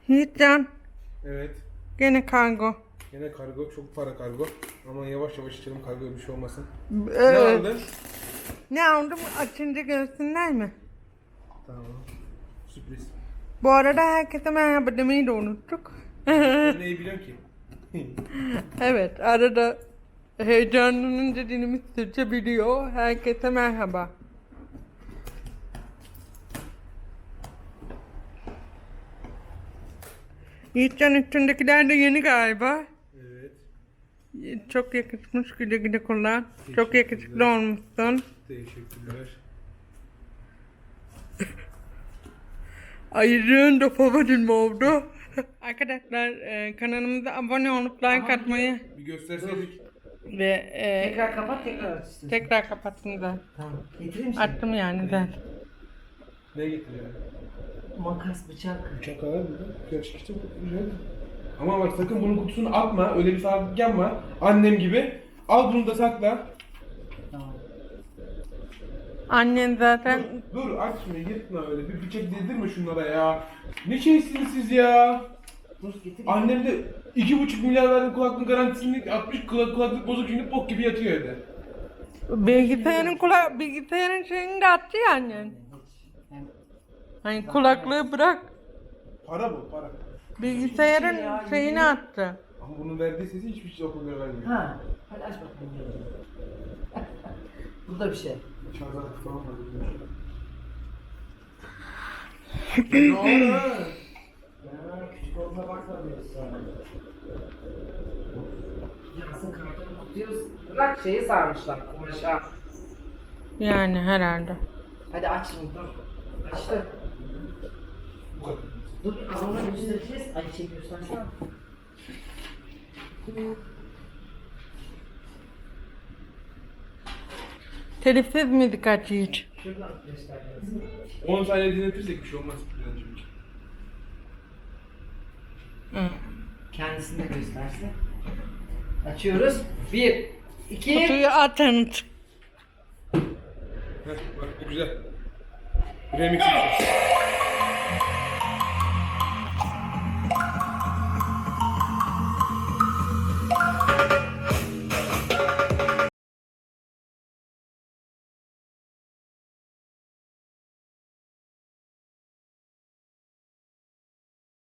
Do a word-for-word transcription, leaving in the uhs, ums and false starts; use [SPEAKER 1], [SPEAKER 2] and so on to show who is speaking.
[SPEAKER 1] Yiğitcan,
[SPEAKER 2] Evet.
[SPEAKER 1] gene kargo.
[SPEAKER 2] Yine kargo. Çok para kargo. Ama yavaş yavaş içelim, kargoya bir şey olmasın. Ne
[SPEAKER 1] Evet.
[SPEAKER 2] aldın?
[SPEAKER 1] Ne aldım açınca görsünler mi?
[SPEAKER 2] Tamam. Sürpriz.
[SPEAKER 1] Bu arada herkese merhaba demeyi de unuttuk.
[SPEAKER 2] Ben neyi biliyorum ki?
[SPEAKER 1] Evet, arada heyecanlanınca dilimiz sürçebiliyor. Herkese merhaba. Yiğitcan, üstündekiler de yeni galiba.
[SPEAKER 2] Evet.
[SPEAKER 1] Çok yakışmış, güle güle kullan. Çok
[SPEAKER 2] Teşekkürler.
[SPEAKER 1] yakışıklı olmuşsun.
[SPEAKER 2] Teşekkürler.
[SPEAKER 1] Ayırığın da favorim oldu. Arkadaşlar e, kanalımıza abone olup like atmayı
[SPEAKER 2] Bir gösterseydik.
[SPEAKER 1] ve e,
[SPEAKER 3] Tekrar kapat, tekrar aç istiyorsan.
[SPEAKER 1] tekrar kapattım da.
[SPEAKER 3] Tamam. Getireyim mi sana?
[SPEAKER 1] Attım yani ben.
[SPEAKER 2] Ne getiriyor?
[SPEAKER 3] Makas, bıçak.
[SPEAKER 2] Uçak alalım mı? Gerçek işte bu. Güzel. Ama bak sakın bunun kutusunu atma. Öyle bir salaklık yapma. Annem gibi. Al bunu da sakla.
[SPEAKER 3] Tamam.
[SPEAKER 1] Annen zaten
[SPEAKER 2] Dur, dur aç şunu, yırtma öyle. Bir bıçak değdirme şunlara ya. Ne şeysiniz siz ya?
[SPEAKER 3] Dur getir.
[SPEAKER 2] Annem de iki buçuk milyar verdim kulaklığın garantisini atmış, kulak, kulaklık bozuk şimdi bok gibi yatıyor evde.
[SPEAKER 1] bilgisayarın kula bilgisayarın şeyini de attı ya annen.
[SPEAKER 3] Hiç. Hem
[SPEAKER 1] Hani kulaklığı bırak.
[SPEAKER 2] Para bu, para.
[SPEAKER 1] Bilgisayarın şeyini attı.
[SPEAKER 2] Ama bunun verdiği sesi hiçbir şey okullara vermiyor.
[SPEAKER 3] Ha. Hadi aç bakalım. Bu da bir şey.
[SPEAKER 2] Şarj aleti falan var. Ne oldu?
[SPEAKER 3] Ya küçük olduğuna bakma diyorsun. Yarasın kartonu kutuyoruz. Bırak şeyi sarmışlar kumaşa.
[SPEAKER 1] Yani herhalde.
[SPEAKER 3] Hadi aç şimdi dur. Açtı.
[SPEAKER 2] Bu kadar.
[SPEAKER 3] Dur ağzına göstereceğiz. Ay şey göstersene.
[SPEAKER 1] Telifsiz müzik aç Yiğit.
[SPEAKER 3] Şuradan göstereceğiz.
[SPEAKER 2] on saniye dinletirsek bir şey olmaz. Bülent'cim.
[SPEAKER 1] Hı.
[SPEAKER 3] Kendisini de göstersin. Açıyoruz. Bir, iki.
[SPEAKER 1] Kutuyu atın.
[SPEAKER 2] Heh, bak bu güzel. Remix bir şey.